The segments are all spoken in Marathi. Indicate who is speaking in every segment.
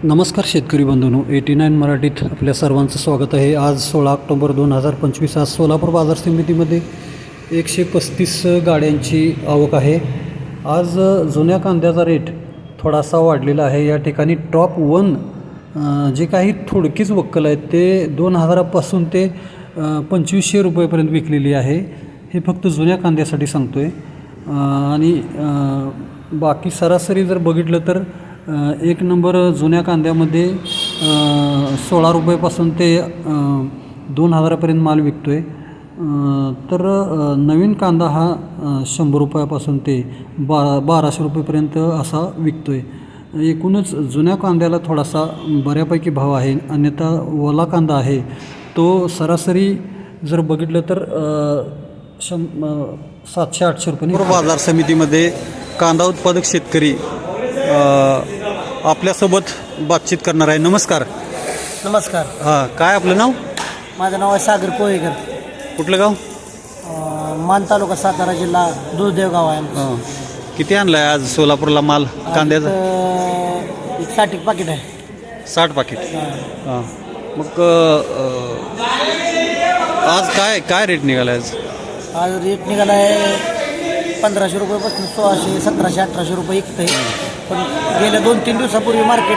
Speaker 1: नमस्कार शेतकरी बंधूंनो, 89 मराठीत आपल्या सर्वांचं स्वागत आहे. आज 16 ऑक्टोबर 2025. आज सोलापूर बाजार समितीमध्ये 135 गाड्यांची आवक आहे. आज जुन्या कांद्याचा रेट थोडासा वाढलेला आहे. या ठिकाणी टॉप 1 जे काही थोडकीच वक्कल आहेत ते 2000पासून ते 2500 रुपयेपर्यंत विकलेली आहे. हे फक्त जुन्या कांद्यासाठी सांगतो आहे. आणि बाकी सरासरी जर बघितलं तर एक नंबर जुन्या कांद्यामध्ये 16 रुपयेपासून ते 2000पर्यंत माल विकतो आहे. तर नवीन कांदा हा 100 रुपयापासून ते 1200 रुपयेपर्यंत असा विकतो आहे. एकूणच जुन्या कांद्याला थोडासा बऱ्यापैकी भाव आहे. अन्यथा ओला कांदा आहे तो सरासरी जर बघितलं तर 700-800 रुपये. बाजार समितीमध्ये कांदा उत्पादक शेतकरी आपल्यासोबत बातचीत करणार आहे. नमस्कार.
Speaker 2: नमस्कार.
Speaker 1: हां, काय आपलं नाव?
Speaker 2: माझं नाव आहे सागर कोळेकर.
Speaker 1: कुठलं गाव?
Speaker 2: मान तालुका, सातारा जिल्हा, दुधदेव गाव आहे.
Speaker 1: हां, किती आणलं आहे आज सोलापूरला माल कांद्याचा?
Speaker 2: 60 पाकिट आहे.
Speaker 1: 60 पाकिट. हां, मग आज काय रेट निघाला आज?
Speaker 2: आज रेट निघाला आहे 1500 रुपयेपासून 1600, 1700, 1800 रुपये विकत आहे. पण गेल्या 2-3 दिवसापूर्वी मार्केट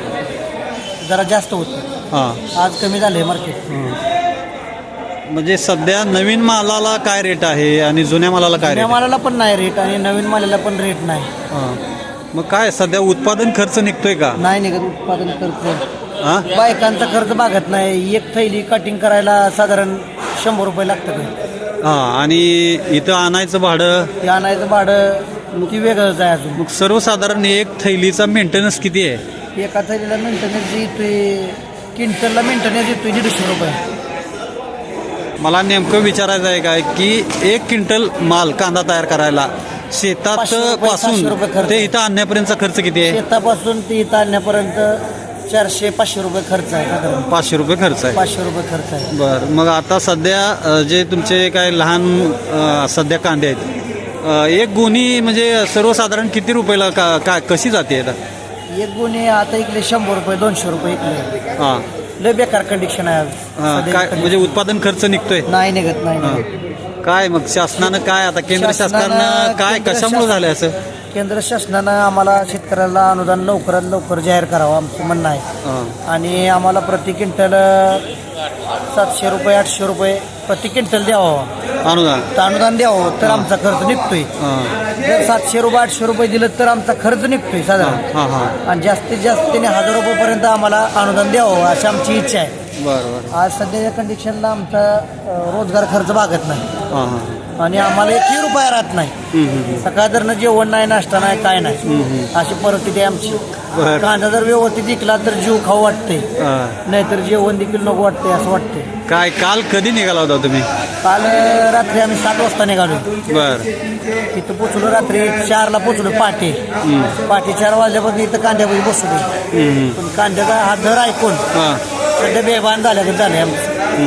Speaker 2: जरा जास्त होतं.
Speaker 1: हां,
Speaker 2: आज कमी झालं आहे मार्केट.
Speaker 1: म्हणजे सध्या नवीन मालाला काय रेट आहे आणि जुन्या मालाला काय
Speaker 2: जुन्या
Speaker 1: रेट?
Speaker 2: मालाला पण नाही रेट आणि नवीन मालाला पण रेट नाही.
Speaker 1: हां, मग काय सध्या उत्पादन खर्च निघतोय का?
Speaker 2: नाही निघत उत्पादन खर्च.
Speaker 1: हां,
Speaker 2: बायकांचा खर्च भागत नाही. एक थैली कटिंग करायला साधारण 100 रुपये लागतं.
Speaker 1: हां, आणि इथं आणायचं भाडं,
Speaker 2: ते आणायचं भाडं ती वेगळंच आहे. अजून
Speaker 1: मग सर्वसाधारण एक थैलीचा मेंटेनन्स किती आहे?
Speaker 2: एका थैलीला मेंटेनन्स येतोय, क्विंटलला मेंटेनन्स येतोय 150 रुपये.
Speaker 1: मला नेमकं विचारायचं आहे काय की 1 क्विंटल माल कांदा तयार करायला शेतात
Speaker 2: 500 रुपये,
Speaker 1: पासून
Speaker 2: 700 रुपये खर्च.
Speaker 1: ते इथं आणण्यापर्यंतचा खर्च किती आहे?
Speaker 2: शेतापासून ते इथं आणण्यापर्यंत 400-500 रुपये खर्च आहे. साधारण
Speaker 1: 500 रुपये खर्च आहे.
Speaker 2: 500 रुपये खर्च आहे.
Speaker 1: बरं, मग आता सध्या जे तुमचे काय लहान सध्या कांदे आहेत, एक गोणी म्हणजे सर्वसाधारण किती रुपयाला काय कशी जाते आता?
Speaker 2: एक गुन्हे आता इकडे 100 रुपये, 200 रुपये इकडे.
Speaker 1: हां,
Speaker 2: लय बेकार कंडिशन आहे आज.
Speaker 1: हां,
Speaker 2: सध्या
Speaker 1: काय
Speaker 2: condition.
Speaker 1: म्हणजे उत्पादन खर्च निघतोय?
Speaker 2: नाही निघत, नाही
Speaker 1: हां.
Speaker 2: निघत.
Speaker 1: काय मग शासनानं काय आता केंद्र शासनानं काय
Speaker 2: केंद्र
Speaker 1: कशामुळे झालं असं?
Speaker 2: केंद्र शासनानं आम्हाला शेतकऱ्याला अनुदान लवकरात लवकर जाहीर करावं आमचं म्हणणं आहे.
Speaker 1: हां,
Speaker 2: आणि आम्हाला प्रति क्विंटल 700 रुपये, 800 रुपये प्रति क्विंटल द्यावं.
Speaker 1: अनुदान.
Speaker 2: अनुदान द्यावं तर आमचा खर्च निघतोय.
Speaker 1: हां,
Speaker 2: जर 700 रुपये, 800 रुपये दिलं तर आमचा खर्च निघतोय साधारण.
Speaker 1: हां, हां,
Speaker 2: आणि जास्तीत जास्त त्याने 1000 रुपयेपर्यंत आम्हाला अनुदान द्यावं अशी आमची इच्छा आहे.
Speaker 1: बरं बरं.
Speaker 2: आज सध्याच्या कंडिशनला आमचा रोजगार खर्च भागत नाही
Speaker 1: हां, हां.
Speaker 2: आणि आम्हाला 1 रुपया राहत नाही. सकाळधरनं जेवण नाही, नाश्ता नाही, काय नाही, अशी परिस्थिती आहे आमची.
Speaker 1: बरं.
Speaker 2: कांदा जर व्यवस्थित विकला तर जीव खाऊ वाटते,
Speaker 1: हां.
Speaker 2: नाहीतर जेवण देखील नको वाटते असं वाटते.
Speaker 1: काय काल कधी निघाला होता तुम्ही?
Speaker 2: काल रात्री आम्ही 7 वाजता निघालो.
Speaker 1: बर.
Speaker 2: इथं पोचलो रात्री 4ला पोचलो. पहाटे 4 वाजल्यापासून इथं कांद्यामध्ये बसलो. पण कांद्याचा हा दर ऐकून
Speaker 1: हां,
Speaker 2: सध्या बेभान झाल्यागत झाले आमचं.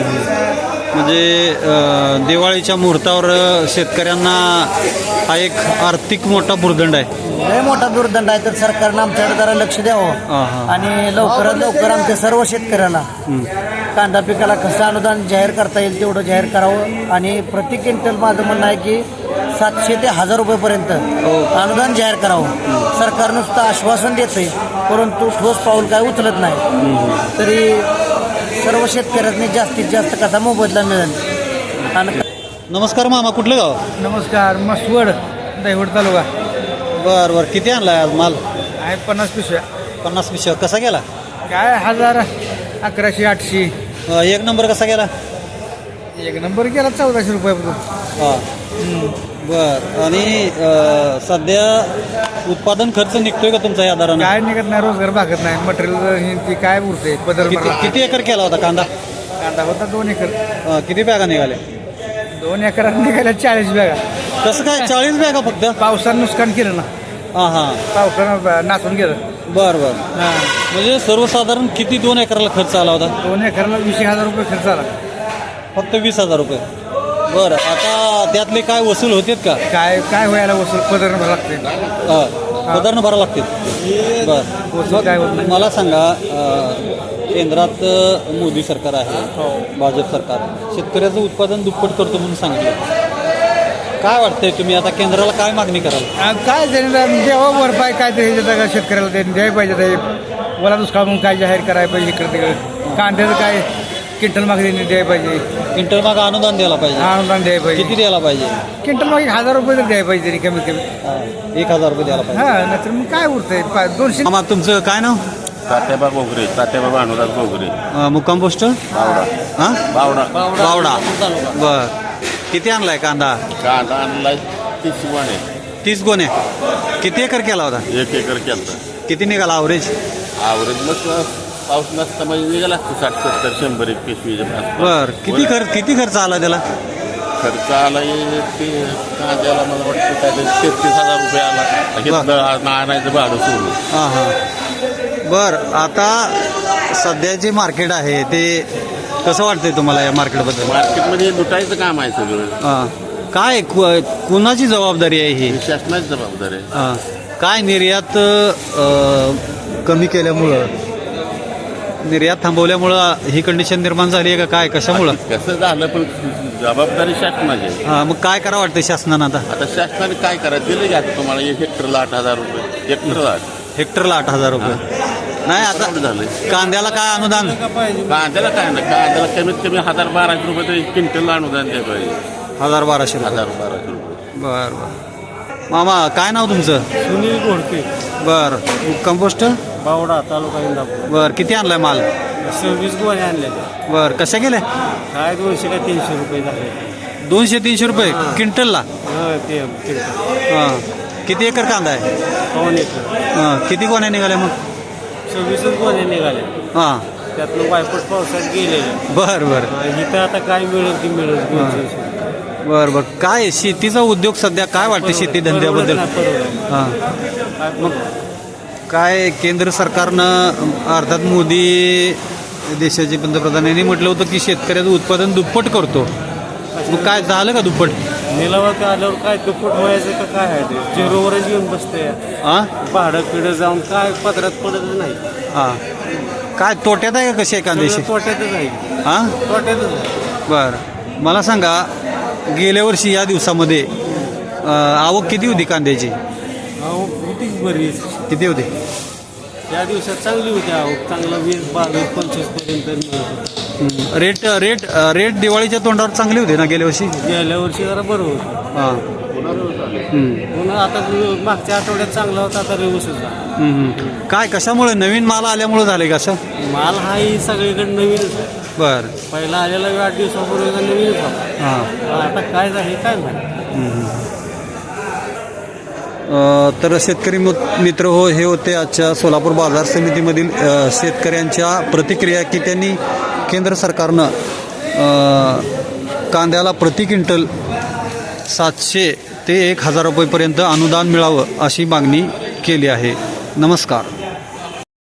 Speaker 1: म्हणजे दिवाळीच्या मुहूर्तावर शेतकऱ्यांना हा एक आर्थिक मोठा भुर्दंड आहे.
Speaker 2: लय मोठा दुर्दंड आहे. तर सरकारनं आमच्याकडे जरा लक्ष द्यावं
Speaker 1: हां.
Speaker 2: आणि लवकरात लवकर आमच्या सर्व शेतकऱ्याला कांदा पिकाला कसं अनुदान जाहीर करता येईल तेवढं जाहीर करावं. आणि प्रति क्विंटल माझं म्हणणं आहे की 700 ते 1000 रुपयेपर्यंत अनुदान जाहीर करावं. सरकार नुसतं आश्वासन देतंय परंतु ठोस पाऊल काय उचलत नाही. तरी सर्व शेतकऱ्यांनी जास्तीत जास्त कसा मोबदला मिळेल. आणि
Speaker 1: नमस्कार मामा, कुठलं गाव?
Speaker 2: नमस्कार. मसवड, दैवड तालुका.
Speaker 1: बर बर. किती आणलाय आज माल?
Speaker 2: आहे 50 पिशव्या.
Speaker 1: 50 पिशव्या. कसा गेला?
Speaker 2: काय 1000, 1100, 800.
Speaker 1: एक नंबर कसा गेला?
Speaker 2: एक नंबर गेला 1400 रुपयापासून.
Speaker 1: हां, बर. आणि सध्या उत्पादन खर्च निघतोय का तुमचा या दरानं?
Speaker 2: काय निघत नाही, रोजगार भागत नाही. मटेरियल ती काय उरते बदल.
Speaker 1: किती एकर केला होता कांदा?
Speaker 2: कांदा होता 2 एकर.
Speaker 1: किती बॅगा निघाले?
Speaker 2: 2 एकरात निघाल्या 40 बॅगा.
Speaker 1: कसं काय 40 बॅगा फक्त?
Speaker 2: पावसानं नुकसान केलं ना.
Speaker 1: हां हां.
Speaker 2: पावसानं नाचून गेलं.
Speaker 1: बर बर. म्हणजे सर्वसाधारण किती 2 एकराला खर्च आला होता?
Speaker 2: 2 एकराला 20,000 रुपये खर्च आला.
Speaker 1: फक्त 20,000 रुपये. बरं, आता त्यातले काय वसूल होतेत का?
Speaker 2: काय काय व्हायला वसूल पदर लागते.
Speaker 1: पदार्थ भरा लागतील बरं
Speaker 3: काय होत नाही.
Speaker 1: मला सांगा केंद्रात मोदी सरकार आहे भाजप सरकार शेतकऱ्याचं उत्पादन दुप्पट करतो म्हणून सांगितलं काय वाटतंय तुम्ही आता केंद्राला काय मागणी कराल
Speaker 3: काय देवा भरपाई काय ते शेतकऱ्याला द्यायला पाहिजे ते मला दुष्काळ म्हणून काय जाहीर करायला पाहिजे इकडे तिकडे कांद्याचं काय क्विंटल मागे द्यायला पाहिजे
Speaker 1: क्विंटल मागं अनुदान द्यायला पाहिजे
Speaker 3: अनुदान द्यायला पाहिजे
Speaker 1: किती द्यायला पाहिजे
Speaker 3: क्विंटल मागे 1000 रुपये तर द्यायला पाहिजे कमीत कमी
Speaker 1: 1000 रुपये द्यायला पाहिजे
Speaker 3: हा नाहीतर मग काय उरतंय 200
Speaker 1: मामा तुमचं काय नाव
Speaker 4: तात्याबा गोगरे तात्याबा अनुराग गोगरे
Speaker 1: मुक्काम पोस्ट
Speaker 4: बावडा
Speaker 1: हां
Speaker 4: बावडा
Speaker 1: बावडा बर किती आणलाय कांदा
Speaker 4: कांदा आणलाय 30 वाणे
Speaker 1: 30 गोणे किती एकर केला होता
Speaker 4: 1 एकर केलता
Speaker 1: किती निघाला ॲव्हरेज
Speaker 4: आवरेज मग पाऊस नसता म्हणजे निघाला 60-70-100 एक पिशवीच्या आसपास.
Speaker 1: बर किती खर्च आला त्याला
Speaker 4: खर्च आला ते कांद्याला मला वाटतं काय 33,000 रुपये आला घेतलं आणायचं भाडं सोडून
Speaker 1: हां हां बर आता सध्या जे मार्केट आहे ते कसं वाटतंय तुम्हाला या मार्केटबद्दल
Speaker 4: मार्केटमध्ये लुटायचं काम आहे सगळं
Speaker 1: हां काय कुणाची जबाबदारी आहे ही
Speaker 4: शासनाची जबाबदारी आहे.
Speaker 1: हां काय निर्यात कमी केल्यामुळं निर्यात थांबवल्यामुळं ही कंडिशन निर्माण झाली आहे का काय कशामुळं
Speaker 4: कसं झालं पण जबाबदारी शासनाची आहे.
Speaker 1: हां मग काय करावं वाटतं शासनानं आता
Speaker 4: आता शासनाने काय करायचं दिलं घ्या तुम्हाला 1 हेक्टरला 8,000 रुपये हेक्टरला
Speaker 1: हेक्टरला 8,000 रुपये नाही आता
Speaker 4: झालंय
Speaker 1: कांद्याला काय अनुदान
Speaker 4: कांद्याला काय नाही कांद्याला कमीत कमी 1,000-1,200 रुपये तरी क्विंटलला अनुदान द्यायला पाहिजे
Speaker 1: 1,000-1,200 रुपये
Speaker 4: 1,000-1,200 रुपये
Speaker 1: बरं बरं मामा काय नाव तुमचं
Speaker 3: सुनील घोडके
Speaker 1: बरं कंपोस्ट
Speaker 3: बावडा तालुका इंदापूर
Speaker 1: बरं किती आणलाय माल
Speaker 3: 26 गोणे आणले
Speaker 1: बरं कशा गेले
Speaker 3: काय 200 का 300 रुपये झाले
Speaker 1: 200-300 रुपये क्विंटलला
Speaker 3: ते
Speaker 1: हां किती एकर कांदा आहे
Speaker 3: पाऊण एकर
Speaker 1: हां किती गोण्या निघाल्या मग
Speaker 3: 26 गोणे निघाले
Speaker 1: हां
Speaker 3: त्यातनं वायपट पावसात गेलेले
Speaker 1: बरं बरं
Speaker 3: इथं आता काय मिळेल ती मिळेल
Speaker 1: बरं बरं काय शेतीचा उद्योग सध्या काय वाटतं शेती धंद्याबद्दल हां मग काय केंद्र सरकारनं अर्थात मोदी देशाचे पंतप्रधान यांनी म्हटलं होतं की शेतकऱ्याचं उत्पादन दुप्पट करतो मग काय झालं का दुप्पट
Speaker 3: निलावात आल्यावर काय दुप्पट व्हायचं का काय आहे ते झिरोवरच येऊन बसते
Speaker 1: हां
Speaker 3: भाडं पिढं जाऊन काय पदरात पडतच नाही
Speaker 1: हां काय तोट्यात आहे का कशी आहे कांद्याशी
Speaker 3: तोट्यातच आहे
Speaker 1: हां
Speaker 3: तोट्यातच आहे
Speaker 1: बरं मला सांगा गेल्या वर्षी या दिवसामध्ये आवक किती होती कांद्याची
Speaker 3: अहो होती बरीच
Speaker 1: किती होती
Speaker 3: त्या दिवसात चांगली होती आवक चांगला 20-22-25 पर्यंत मिळत होता
Speaker 1: रेट रेट रेट दिवाळीच्या तोंडावर चांगली होती ना गेल्या वर्षी
Speaker 3: गेल्या वर्षी जरा बरं होतं
Speaker 1: हां
Speaker 3: पुन्हा आता मागच्या आठवड्यात चांगला होता आता व्यवस्थित झाला
Speaker 1: काय कशामुळे नवीन माल आल्यामुळे झाले का असं
Speaker 3: माल हा ही सगळीकडे नवीनच आहे
Speaker 1: बरं
Speaker 3: पहिला आलेला 8 दिवसापूर्वी नवीनच होता
Speaker 1: हां
Speaker 3: आता काय झालं काय माहिती
Speaker 1: तर शेतकरी मित्र हो हे होते आजच्या सोलापूर बाजार समितीमधील शेतकऱ्यांच्या प्रतिक्रिया की त्यांनी केंद्र सरकारनं कांद्याला प्रति क्विंटल 700 ते 1,000 रुपयेपर्यंत अनुदान मिळावं अशी मागणी केली आहे. नमस्कार.